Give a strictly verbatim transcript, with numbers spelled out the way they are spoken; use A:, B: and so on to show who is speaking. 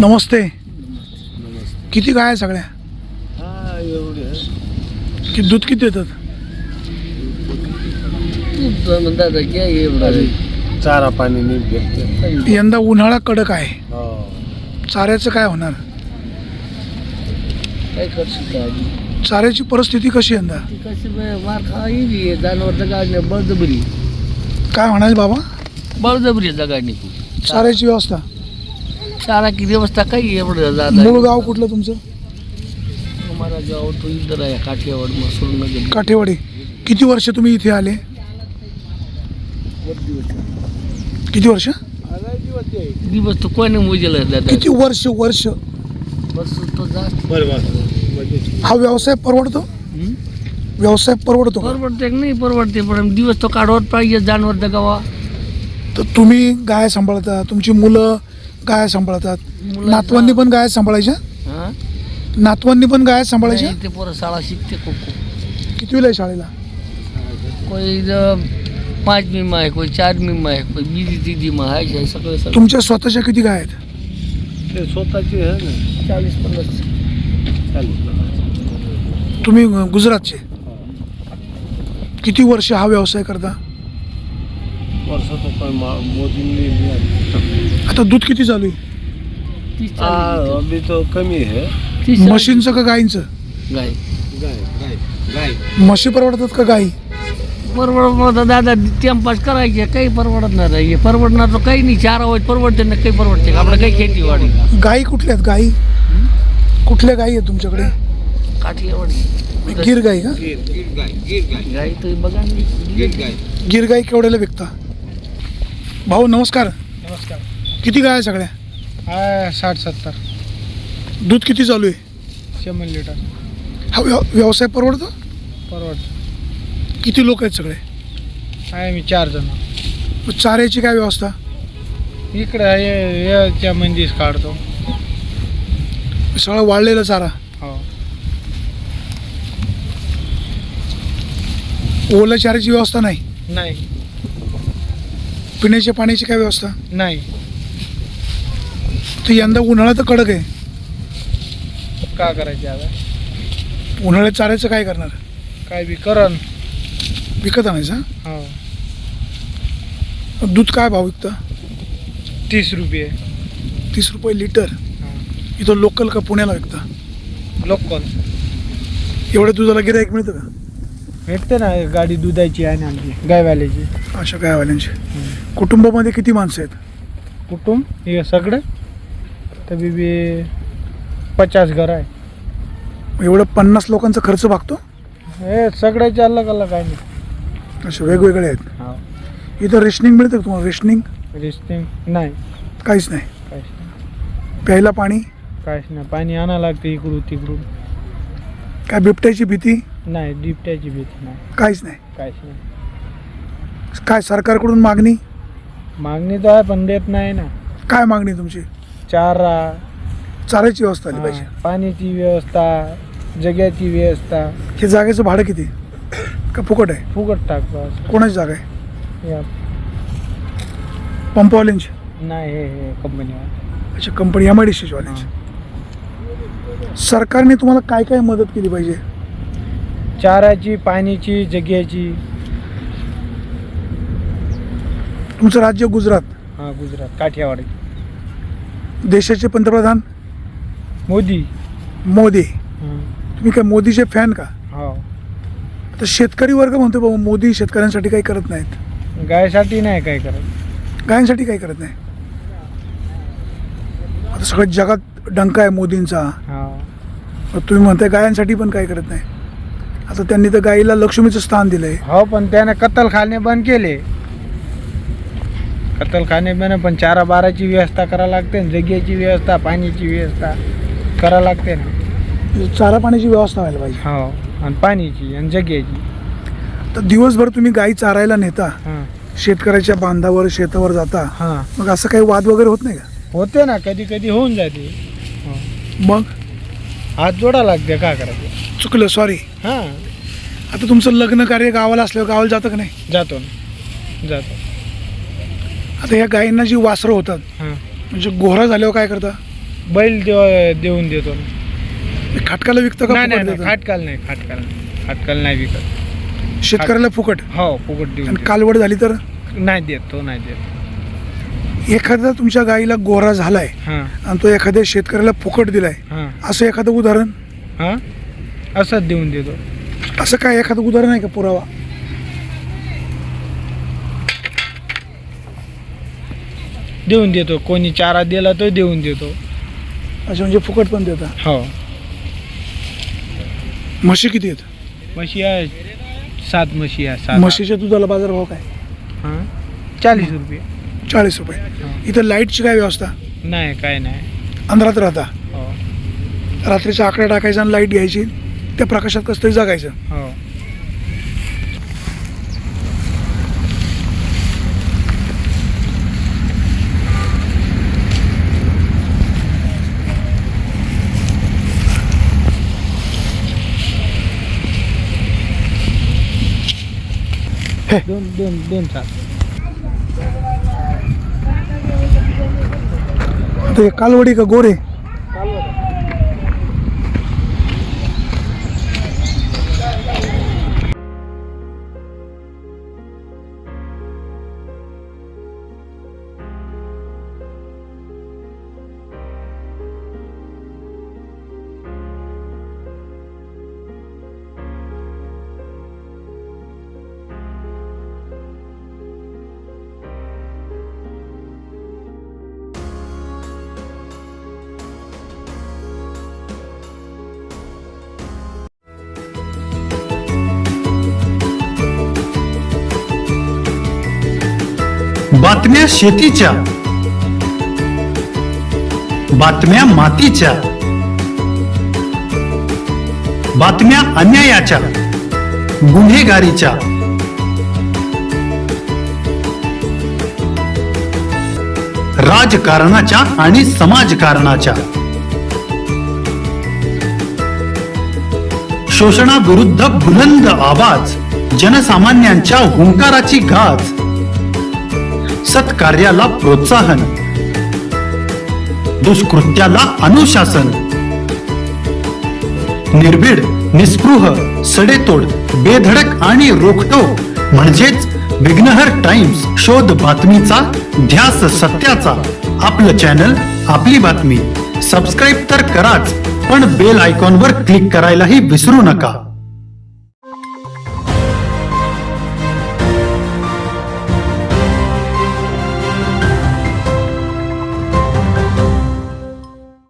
A: नमस्ते. किती गाय आहे सगळ्या?
B: हा एवढे
A: की दूध किती देतात?
B: दादा क्या एवढं चारा पाणी नीट भेटते.
A: यंदा उन्हाळा कडक आहे,
B: हो
A: चाऱ्याचं काय होणार?
B: काय करशील काय
A: चाऱ्याची परिस्थिती कशी यंदा?
B: ती कशी मार खाई जनावर जगाडणे बळजबरी
A: काय म्हणाले बाबा?
B: बळजबरी जगाडणे
A: चाऱ्याची व्यवस्था?
B: चारा की व्यवस्था काही एवढं जात
A: मूळ गाव कुठलं तुमचं?
B: हमारा गाव तो इधर आहे काठियावाड मसूर नगर.
A: काठेवाडी. किती वर्ष तुम्ही इथे आले? किती वर्ष?
B: दिवस तो कोणी मोजेल दादा
A: किती वर्ष वर्ष
B: बस तो जास्त
A: हा व्यवसाय परवडतो?
B: हं?
A: व्यवसाय परवडतो का?
B: परवडते की नाही परवडते पण दिवस तो काढवत पाहिजे जानवर जगावा.
A: तर तुम्ही गाय सांभाळता, तुमची मुलं गाय सांभाळतात,
B: मुलं-
A: नातवांनी पण गाय सांभाळायच्या?
B: हा
A: नातवांनी पण गाय सांभाळायच्या?
B: नाही, ते पोरं शाळा शिकते कोको
A: कितवीला आहे शाळेला?
B: कोई इधं पाच मिमा आहे कोई चार मिमा आहे कोई बीजी तिजी मा आहे सगळे सगळे
A: तुमच्या स्वतःच्या किती गाय आहेत?
B: ते स्वतःची आहे ना चाळीस पन्नास चाळीस
A: तुम्ही गुजरातचे. किती वर्ष हा व्यवसाय करता?
B: वर्षाचं पण मोदींनी
A: आता दूध किती चालू आहे?
B: अभी तो कमी आहे.
A: म्हशींचं का गायींचं?
B: गाय
C: गाय गाय गाय
A: म्हशी परवडतात का गायी?
B: परवडत दादा टाइमपास करायचे काही परवडत नाही परवडणार तर काही नाही चार आवाज परवडते ना काही परवडते आपलं काही खेतीवाडी
A: गायी कुठल्या आहेत? गायी कुठल्या गायी आहेत तुमच्याकडे?
B: काठियावाडी
A: गिर गाई का?
C: गिर गिर गाय गिर गाय
B: गाय तर बघा
C: गिर गाय
A: गिर गाई केवढ्याला विकता? भाऊ नमस्कार.
D: नमस्कार.
A: किती गाय आहे सगळ्या?
D: हा साठ सत्तर
A: दूध किती चालू आहे?
D: शंभर लिटर
A: हा व्यव व्यवसाय परवडतो?
D: परवडतं.
A: किती लोक आहेत सगळे?
D: आहे मी चार जण.
A: मग चाऱ्याची काय व्यवस्था?
D: इकडे आहे याच्या मंदीच काढतो.
A: सगळं वाळलेलं चारा?
D: हो
A: ओल्या चाऱ्याची व्यवस्था नाही?
D: नाही
A: पिण्याच्या पाण्याची काय व्यवस्था?
D: नाही
A: तर यंदा उन्हाळा तर कडक आहे,
D: का करायचे आता?
A: उन्हाळ्यात चाऱ्याचं काय करणार?
D: काय बी करण.
A: विकत आणायचं?
D: हो
A: दूध काय भाव विकतं?
D: तीस रुपये.
A: तीस रुपये लिटर.
D: हा.
A: इथं लोकल का पुण्याला विकता?
D: लोकल
A: एवढ्या दुधाला गिऱ्हाईक मिळतं का?
D: भेटते ना गाडी दुधाची आहे ना आमची गायवाल्याची.
A: अशा गायवाल्यांचे. कुटुंबामध्ये किती माणसं आहेत?
D: कुटुंब हे सगळं तरी बी पचास घर आहे.
A: एवढं पन्नास लोकांचा खर्च भागतो?
D: हे सगळ्याचे अलग अलग आहे ना.
A: असे वेगवेगळे आहेत.
D: हो
A: इथं रेशनिंग मिळतं का तुम्हाला? रेशनिंग
D: रिस्टिंग नाही
A: काहीच नाही.
D: काहीच नाही
A: प्यायला पाणी?
D: काहीच नाही. पाणी आणा लागते इकडून तिकडून.
A: काय बिबट्याची भीती?
D: नाही बिबट्याची भीती नाही
A: काहीच नाही.
D: काहीच नाही.
A: काय सरकारकडून मागणी?
D: मागणी तर आहे पण देत नाही ना.
A: काय मागणी तुमची?
D: चारा,
A: चाऱ्याची व्यवस्था आली पाहिजे.
D: हा, पाण्याची व्यवस्था, जग्याची व्यवस्था.
A: हे जागेचं भाडं किती का फुकट आहे?
D: फुकट टाक बस.
A: कोणाची जागा आहे?
D: या
A: पंपवाल्यांची?
D: नाही हे हे कंपनीवर.
A: अच्छा कंपनी एम आय डी सीची वाल्यांची. सरकारने तुम्हाला काय काय मदत केली पाहिजे?
D: चाराची, पाण्याची, जग्याची.
A: तुमचं राज्य गुजरात,
D: हा गुजरात काठियावाडी.
A: देशाचे पंतप्रधान
D: मोदी.
A: मोदी.
D: हा.
A: तुम्ही काय मोदीचे फॅन का?
D: हो
A: तर शेतकरी वर्ग म्हणतो बाबा मोदी शेतकऱ्यांसाठी काही करत नाहीत,
D: गायसाठी नाही काय करत.
A: गायांसाठी काही करत नाही. आता सगळ्या जगात डंका आहे मोदींचा.
D: हा
A: मग तुम्ही म्हणताय गायांसाठी पण काही करत नाही. आता त्यांनी तर गाईला लक्ष्मीचं स्थान दिलंय.
D: हो पण त्याने कत्तलखाने बंद केले. कत्तलखाने बंद पण चारा बाराची व्यवस्था करा लागते ना. जग्याची व्यवस्था, पाण्याची व्यवस्था करा लागते ना.
A: चारा पाण्याची व्यवस्था व्हायला पाहिजे.
D: हो आणि पाण्याची आणि जग्याची.
A: तर दिवसभर तुम्ही गाई चारायला नेता,
D: हां
A: शेतकऱ्याच्या बांधावर शेतावर जाता,
D: हां
A: मग असं काही वाद वगैरे होत नाही का?
D: होते ना कधी कधी होऊन जाते. हो.
A: मग
D: हात जोडा लागते का करायचं.
A: चुकलं, सॉरी.
D: हां
A: आता तुमचं लग्न कार्य गावाला असल्यावर गावाला जातं का नाही?
D: जातो ना जातो.
A: आता ह्या गायींना जी वासरं होतात
D: हां
A: म्हणजे गोहरा झाल्यावर काय करता?
D: बैल देव- देऊन देतो ना.
A: खाटकाला विकतं का
D: नाही
A: फुकट
D: नाही नाही,
A: देतं?
D: खाटकाल नाही खाटकाल नाही खाटकाल नाही विकत.
A: शेतकऱ्याला फुकट
D: हो फुकट देऊन
A: आणि
D: देतो.
A: कालवड झाली तर
D: नाही देत तो नाही देत.
A: एखादा तुमच्या गाईला गोरा झालाय
D: हां
A: आणि तो एखाद्या शेतकऱ्याला फुकट दिलाय
D: हां
A: असं एखादं उदाहरण,
D: हां असंच देऊन देतो.
A: असं काय एखादं उदाहरण आहे का पुरावा?
D: देऊन देतो. कोणी चारा दिला तो देऊन देतो.
A: असं म्हणजे फुकट पण देतात.
D: हो
A: म्हशी किती आहेत?
D: म्हशी आहे सात म्हशी आहे सात.
A: म्हशीच्या दुधाला बाजारभाव काय?
D: हां चाळीस रुपये.
A: चाळीस रुपये. इथं लाईटची काय व्यवस्था?
D: नाही काय नाही.
A: अंधारात राहता,
D: हो
A: रात्रीचा आकडा टाकायचा आणि लाईट घ्यायची, त्या प्रकाशात कसं तरी जगायचं.
D: हो दोन दोन दोन सात.
A: आता हे कालवडी का गोरे?
E: बातम्या शेतीच्या, बातम्या मातीच्या, बातम्या अन्यायाच्या, गुन्हेगारीच्या, राजकारणाच्या आणि समाजकारणाच्या, शोषणाविरुद्ध बुलंद आवाज, जनसामान्यांच्या हुंकाराची गाज, सत्कार्याला प्रोत्साहन, दुष्कृत्याला अनुशासन, निर्भीड, निस्पृह, सडेतोड, बेधडक आणि रोखटोक म्हणजेच विघ्नहर टाइम्स. शोध बातमीचा, ध्यास सत्याचा. आपलं चॅनल, आपली बातमी. सबस्क्राईब तर कराच, पण बेल आयकॉनवर क्लिक करायलाही विसरू नका.